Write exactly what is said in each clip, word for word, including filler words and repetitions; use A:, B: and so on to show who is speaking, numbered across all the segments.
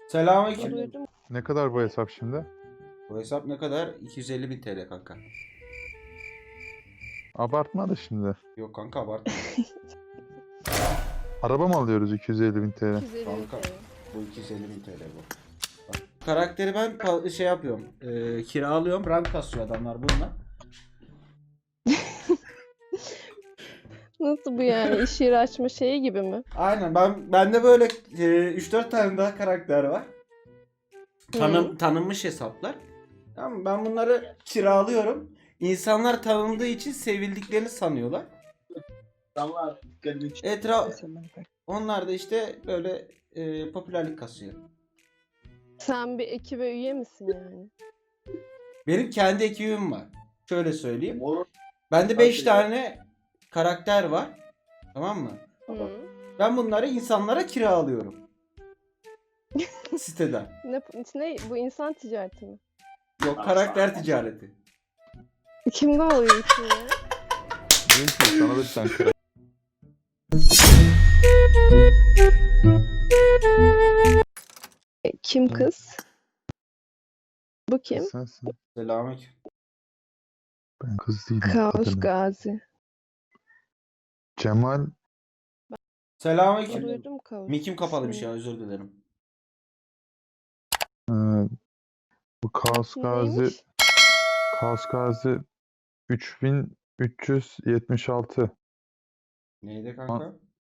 A: Selamünaleyküm.
B: Duydum.
C: Ne kadar bu hesap şimdi?
A: Bu hesap ne kadar? iki yüz elli bin T L kanka.
C: Abartma da şimdi.
A: Yok kanka abartma.
C: Araba mı alıyoruz iki yüz elli bin T L?
B: iki yüz elli bin
A: Kanka
B: T L.
A: bu iki yüz elli bin T L bu. Bak, karakteri ben pa- şey yapıyorum. E, kiralıyorum. Rank kasıyor adamlar bununla.
B: Nasıl bu yani? İş yeri açma şeyi gibi mi?
A: Aynen ben bende böyle e, üç dört tane daha karakter var. Tanım,
B: Hı.
A: tanınmış hesaplar. Tamam mı? Ben bunları kiralıyorum. İnsanlar tanındığı için sevildiklerini sanıyorlar.
D: Damlar dikkatimi
A: Etraf onlar da işte böyle e, popülerlik kasıyor.
B: Sen bir ekibe üye misin yani?
A: Benim kendi ekibim var. Şöyle söyleyeyim.
D: Olur.
A: Bende beş
D: Nasıl
A: tane karakter var. Tamam mı?
B: Hı.
A: Ben bunları insanlara kiralıyorum. Siteden.
B: Ne, ne bu insan ticareti mi?
A: Yok karakter ticareti.
B: Kimde oluyor işin ya?
C: Diyor ki sana da bir tane karakter.
B: Kim kız? Bu kim?
C: Sensin.
A: Selamünaleyküm.
C: Ben kız değilim.
B: Kaos
C: kadınım.
B: Gazi.
C: Cemal.
A: Selamünaleyküm.
B: Duydum Kaos.
A: Mikim kapalıymış ya özür dilerim.
C: e, bu Kaos Gazi.
B: Neymiş?
C: Kaos Gazi üç bin üç yüz yetmiş altı.
A: Neydi kanka?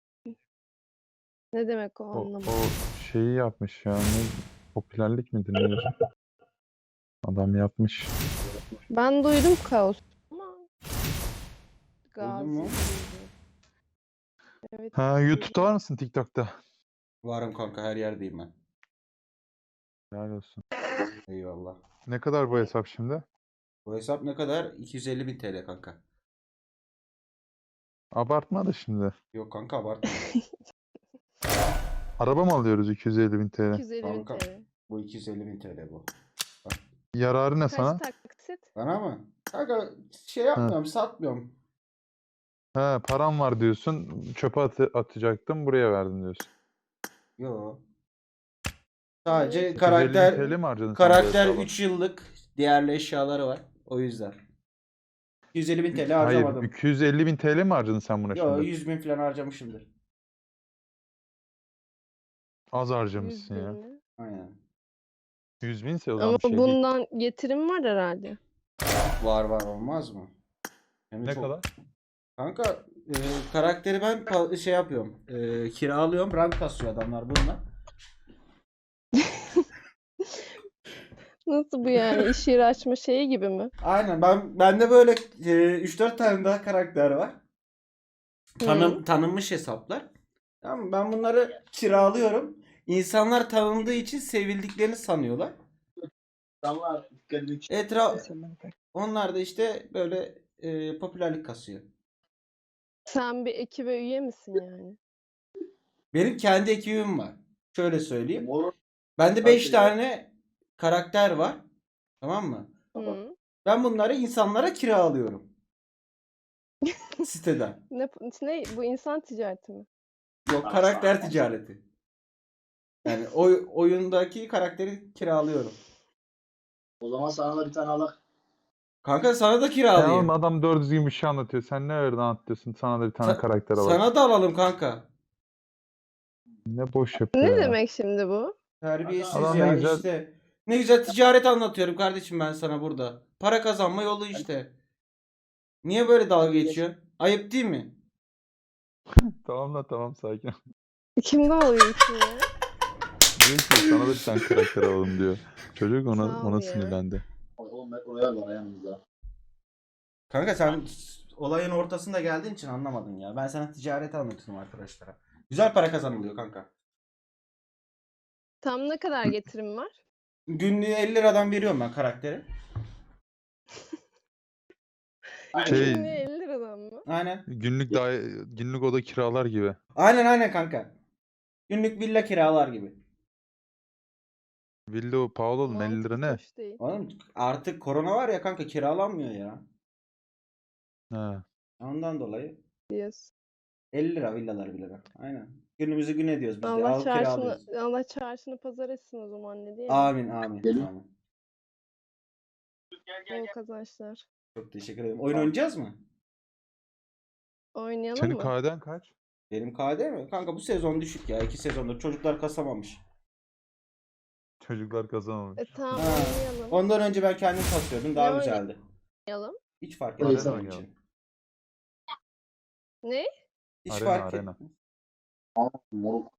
B: Ne demek o
C: O,
B: anlamadım.
C: o şeyi yapmış ya. Ne, popülerlik midir nedir? Adam yapmış.
B: Ben duydum Kaos. Ama Gazi.
A: mu?
B: duydum. Evet.
C: Ha, YouTube'da var mısın, TikTok'ta?
A: Varım kanka her yerdeyim ben.
C: Helal olsun.
A: Eyvallah.
C: Ne kadar bu hesap şimdi?
A: Bu hesap ne kadar? iki yüz elli bin T L kanka.
C: Abartma da şimdi.
A: Yok kanka abartma.
C: Araba mı alıyoruz iki yüz elli bin T L?
B: iki yüz elli bin
A: Kanka.
B: T L.
A: Bu iki yüz elli bin T L bu.
C: Yararı ne
B: Kaç
C: sana?
B: taksit?
A: Bana mı? Kanka şey yapmıyorum satmıyorum.
C: He, param var diyorsun. Çöpe atı- atacaktım. Buraya verdim diyorsun.
A: Yo. Sadece
B: İki yüz
C: iki yüz elli bin T L
A: karakter
C: mi harcadın sen bu
A: karakter
C: hesaba?
A: üç yıllık değerli eşyaları var. O yüzden. iki yüz elli bin T L
C: Hayır,
A: harcamadım.
C: iki yüz elli bin T L mi harcadın sen buna
A: Yo
C: şimdi?
A: yüz bin falan harcamışımdır.
C: Az
B: yüz
C: harcamışsın ya.
B: bin mi?
A: Aynen.
C: yüz binse o
B: Ama
C: zaman bir şey değil.
B: bundan getirim var herhalde.
A: Var var olmaz mı? Hem de
C: Ne
A: çok-
C: kadar?
A: Kanka e, karakteri ben pa- şey yapıyorum. E, kiralıyorum. Rank kasıyor adamlar bununla.
B: Nasıl bu yani? İş yeri açma şeyi gibi mi?
A: Aynen ben bende böyle e, üç dört tane daha karakter var. Tanım,
B: Hı.
A: tanınmış hesaplar. Tamam mı? Ben bunları kiralıyorum. İnsanlar tanındığı için sevildiklerini sanıyorlar.
D: Damlar dikkatimi
A: Etraf onlar da işte böyle e, popülerlik kasıyor.
B: Sen bir ekibe üye misin yani?
A: Benim kendi ekibim var. Şöyle söyleyeyim.
D: Olur.
A: Bende beş
D: Nasıl
A: tane karakter var. Tamam mı?
B: Hı.
A: Ben bunları insanlara kiralıyorum. Siteden.
B: Ne, ne bu insan ticareti mi?
A: Yok karakter ticareti. Yani oy, oyundaki karakteri kiralıyorum.
D: O zaman sana da bir tane alak.
A: Kanka sana da
C: Ya
A: kiralayayım.
C: oğlum adam doğru düzgün bir şey anlatıyor. Sen ne öyle anlatıyorsun? Sana da bir tane
A: Sa-
C: karakter alalım.
A: Sana da alalım kanka.
C: Ne boş yapıyor
B: Ne
C: ya.
B: demek şimdi bu?
A: Terbiyesiz
C: Adam
A: ya
C: ne güzel-
A: işte. Ne güzel ticaret anlatıyorum kardeşim ben sana burada. Para kazanma yolu işte. Niye böyle dalga geçiyorsun? Ayıp değil mi?
C: Tamam da tamam, sakin.
B: Kimde oluyor işin ya?
C: Diyor ki sana da bir tane karakter alalım diyor. Çocuk ona,
B: Sağ ol
C: ona
B: ya.
C: sinirlendi.
D: Oğlum oraya var yanımızda.
A: Kanka sen olayın ortasında geldiğin için anlamadın ya. Ben sana ticaret anlatıyorum arkadaşlara. Güzel para kazanılıyor kanka.
B: Tam ne kadar getirim var?
A: Günlüğü elli liradan veriyorum ben karakteri.
C: Şey-
B: Günlüğü elli liradan mı?
A: Aynen.
C: Günlük daha günlük oda kiralar gibi.
A: Aynen aynen kanka. Günlük villa kiralar gibi.
C: Villa o pahalı oğlum, elli lira
B: Mantık
C: ne?
B: hoş değil.
A: Oğlum artık korona var ya kanka kiralanmıyor ya.
C: Ha.
A: Ondan dolayı.
B: Diyorsun.
A: elli lira villalar bile bak. Aynen. Günümüzü gün ediyoruz biz de.
B: Allah
A: Al kiralıyoruz.
B: çarşını, Allah çarşını pazar etsin o zaman ne diyelim.
A: Amin amin.
D: Gelin.
A: amin.
B: Bol kazançlar.
A: Çok teşekkür ederim. Oyun oynayacağız mı?
B: Oynayalım
C: Senin
B: mı?
C: K D'den kaç?
A: Benim K D mi? Kanka bu sezon düşük ya. iki sezondur. Çocuklar kasamamış.
C: Çocuklar kazanamamış.
B: E tamam
A: Ha.
B: oynayalım.
A: Ondan önce ben kendim kasıyordum. Daha
B: Ne
A: güzeldi.
B: Oynayalım.
A: Hiç fark
D: Arena
A: etmez benim
C: oynayalım.
A: için.
B: Ne?
A: Hiç
C: Arena,
A: fark
C: arena.
A: etmez.
D: Moruk.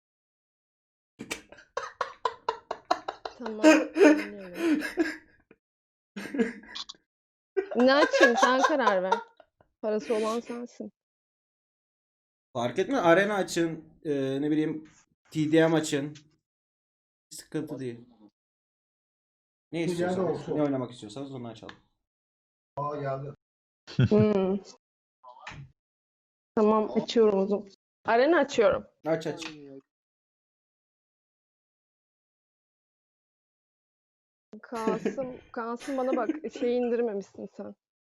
B: Tamam oynayalım. Ne açayım sen karar ver. Parası olan sensin.
A: Fark etmez. Arena açın. e, ne bileyim T D M açın. Sıkıntı değil. Ne istiyorsanız, ne oynamak istiyorsanız onu açalım.
B: Hmm. Tamam açıyorum o zaman. Arena açıyorum.
A: Aç aç.
B: Kasım, Kasım bana bak şey indirmemişsin sen.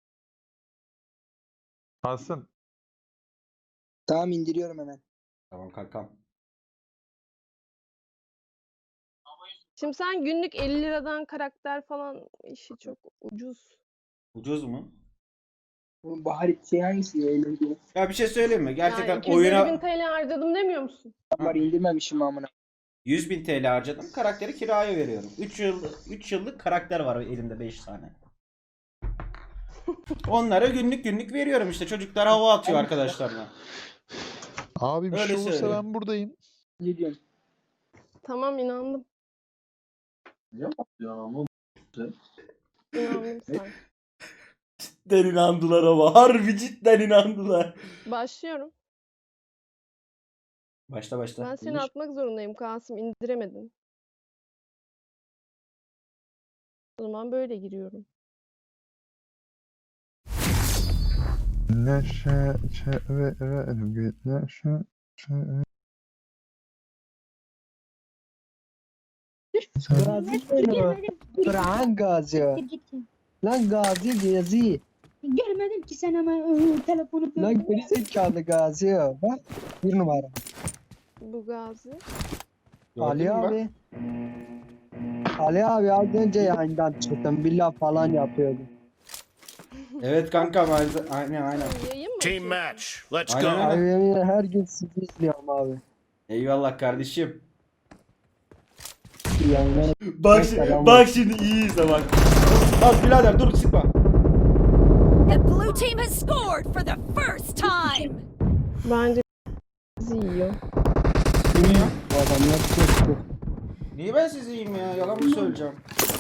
C: Hasan.
E: Tamam indiriyorum hemen.
A: Tamam kankam.
B: Şimdi sen günlük elli liradan karakter falan işi çok ucuz.
A: Ucuz mu?
E: Bu Bahar şey hangisi ya? Eğlenceli.
A: Ya bir şey söyleyeyim mi? Gerçekten
B: Yani iki yüz elli bin
A: oyuna
B: T L harcadım demiyor musun?
E: Var indirmemişim amına.
A: yüz bin T L harcadım. Karakteri kiraya veriyorum. üç yıl üç yıllık karakter var elimde beş tane. Onlara günlük günlük veriyorum işte. Çocuklar hava atıyor arkadaşlarına.
C: Abi bir
A: Öyle
C: şey olursa
A: söyleyeyim.
C: ben buradayım.
E: Ne diyorsun?
B: Tamam inandım.
D: Ne yapıyorsun ama?
B: İnandım sen.
A: Cidden inandılar ama. Harbi cidden inandılar.
B: Başlıyorum.
A: Başla başla.
B: Ben seni
A: Buyur.
B: atmak zorundayım Kasım. İndiremedin. O zaman böyle giriyorum.
C: Neşe çevre bir neşe çevre.
E: Gazi benim. Kur'an Gazi. Lan Gazi Gazi.
F: Görmedim ki sen ama ıı, telefonu
E: Lan
F: böyle.
E: geri zekalı Gazi. Bak bir numara.
B: Bu Gazi.
A: Gördün
E: Ali
A: mü bak?
E: abi. Ali abi az önce yayından çıktım. Billah falan yapıyordu.
A: Evet kanka aynen aynen. aynen.
B: Yayın mı?
G: Team
B: açıyorsun?
G: match. Let's
A: Aynen
G: go.
A: öyle.
E: Abi yemin ederim her gün sizi izliyorum abi.
A: Eyvallah kardeşim.
E: Yayınlar.
A: Bak
E: Selam
A: bak şimdi iyi izle bak. Bak birader dur sıkma.
H: The blue team has scored for the first time.
B: Bence bizi yiyor.
E: Bu adamlar çok çok.
A: Niye ben sizi yiyeyim ya? Yalan mı söyleyeceğim?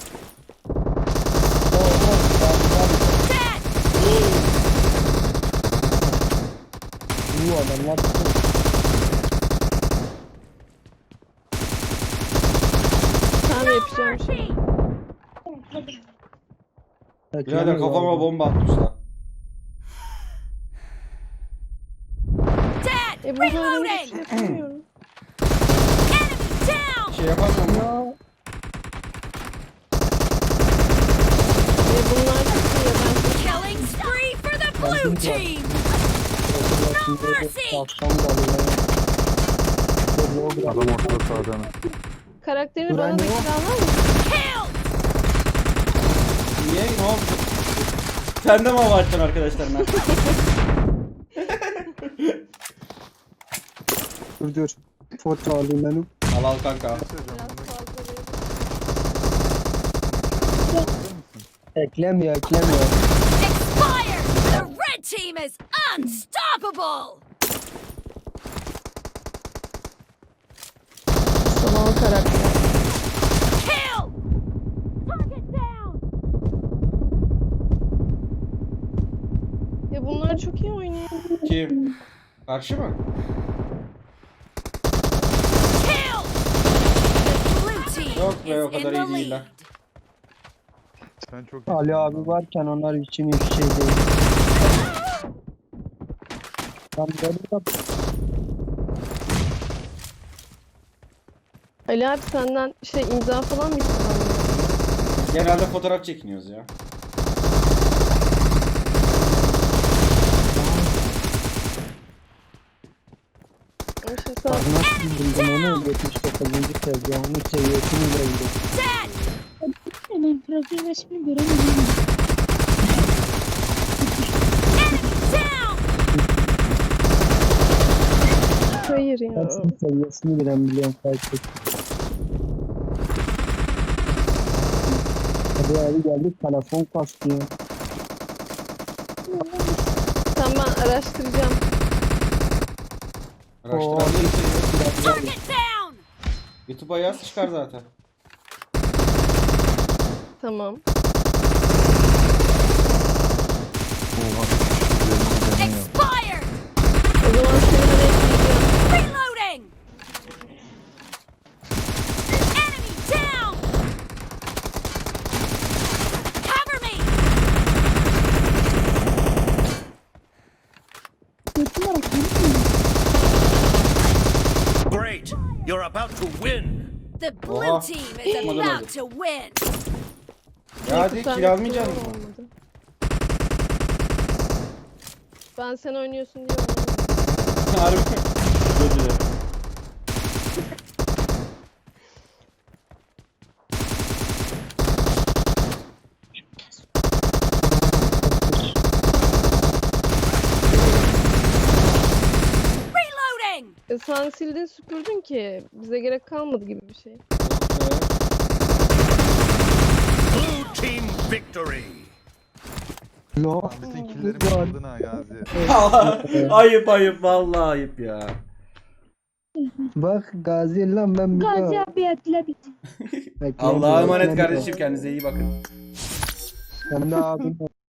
E: Bu adamlar çok.
B: Sen de yapacağım şey.
A: Birader kafama bomba attı usta.
H: Dead.
B: E burada öyle bir
H: Reloading.
B: şey yapamıyorum.
H: Enemy down.
A: Şey yapamam ya.
E: Ya
B: E bunlar çok iyi. Ben
H: Killing spree for the blue team.
C: Adam ortada sağda mı?
B: karakterini
E: Duran
B: bana da
E: ne o?
B: kiralar mısın?
H: Killed.
A: Niye? Ne oldu? Sen de mi hava açacaksın arkadaşlarına?
E: Dur dur. Foto alayım benim.
A: Al al kanka.
B: Biraz fazla verin.
E: Eklemiyor eklemiyor.
H: Expired. The red team is unstoppable.
B: Son karakter.
H: Kill. Target down.
B: Ya bunlar çok iyi oynuyor.
A: Kim? Karşı mı?
H: Kill. The blue team
A: Yok be, o
H: is in
A: kadar
H: the
A: iyi değiller.
H: lead.
C: Sen çok
E: Ali
C: iyisin
E: abi
C: lan.
E: varken onlar için hiçbir şey değil. Ben böyle de
B: Ali abi senden şey imza falan mı istiyorsun?
A: Genelde fotoğraf çekiniyoruz ya.
B: Tamam şimdi sana
E: Bak nasıl buldum onu yetmiş dokuzuncu seviye onun seviyesini buldum.
H: Dead!
F: Hemen profil resmini göremedim.
H: Down!
B: hayır ya.
E: Ben senin seviyesini bilen biliyorum fark et. Hadi abi geldik telefon kastıyor.
B: Tamam ben araştıracağım.
A: Araştırabilirsin.
H: Target down!
A: YouTube'a yaz çıkar zaten.
B: Tamam.
C: Oha. Üzerinde canı yok.
H: Expired!
B: O zaman seni de ekleyeceğim.
H: Reloading! Enemy down! Cover me!
F: Götüm var aklım.
G: Great! You're about to win!
H: The blue
A: Oha.
H: team is
A: Olmadı,
H: about
A: olmadı.
H: to win!
A: Ya hadi
B: Neyse, sen
A: kill almayacak
B: de
A: mısın?
B: olmadı. Ben sen oynuyorsun diye olmadı.
A: Harbi. Özür dilerim.
H: Reloading!
B: E sen sildin süpürdün ki bize gerek kalmadı gibi bir şey.
G: Blue team victory!
E: Lo.
C: Lan bütün killerimi aldın ha Gazi.
A: ayıp ayıp vallahi ayıp ya.
E: Bak Gazi lan ben bir
F: Gazi
E: daha.
F: abi atla bitti.
E: Bekle,
A: Allah'a
E: bekle,
A: emanet
E: bekle.
A: kardeşim, kendinize iyi bakın.
E: Sen de abim.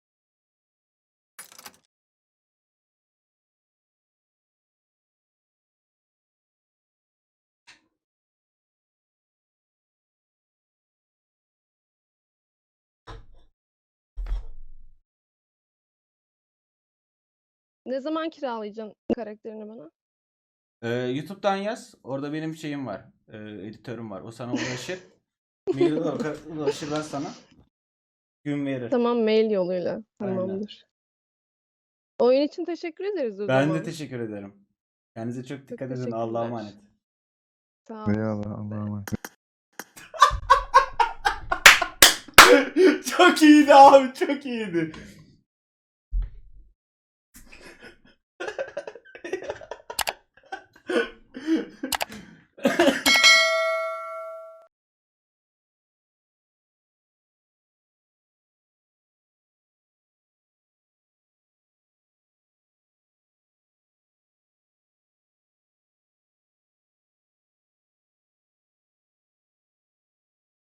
B: Ne zaman kiralayacaksın karakterini bana?
A: Ee, YouTube'dan yaz. Orada benim şeyim var. Ee, editörüm var. O sana ulaşır. Mail ulaşır ben sana. Gün verir.
B: Tamam mail yoluyla.
A: Aynen.
B: Tamamdır. Oyun için teşekkür ederiz o
A: Ben
B: zaman.
A: de teşekkür ederim. Kendinize çok dikkat edin.
B: teşekkürler.
A: Allah'a emanet.
B: Sağ ol.
C: Eyvallah Allah'a emanet.
A: Çok iyiydi abi, çok iyiydi.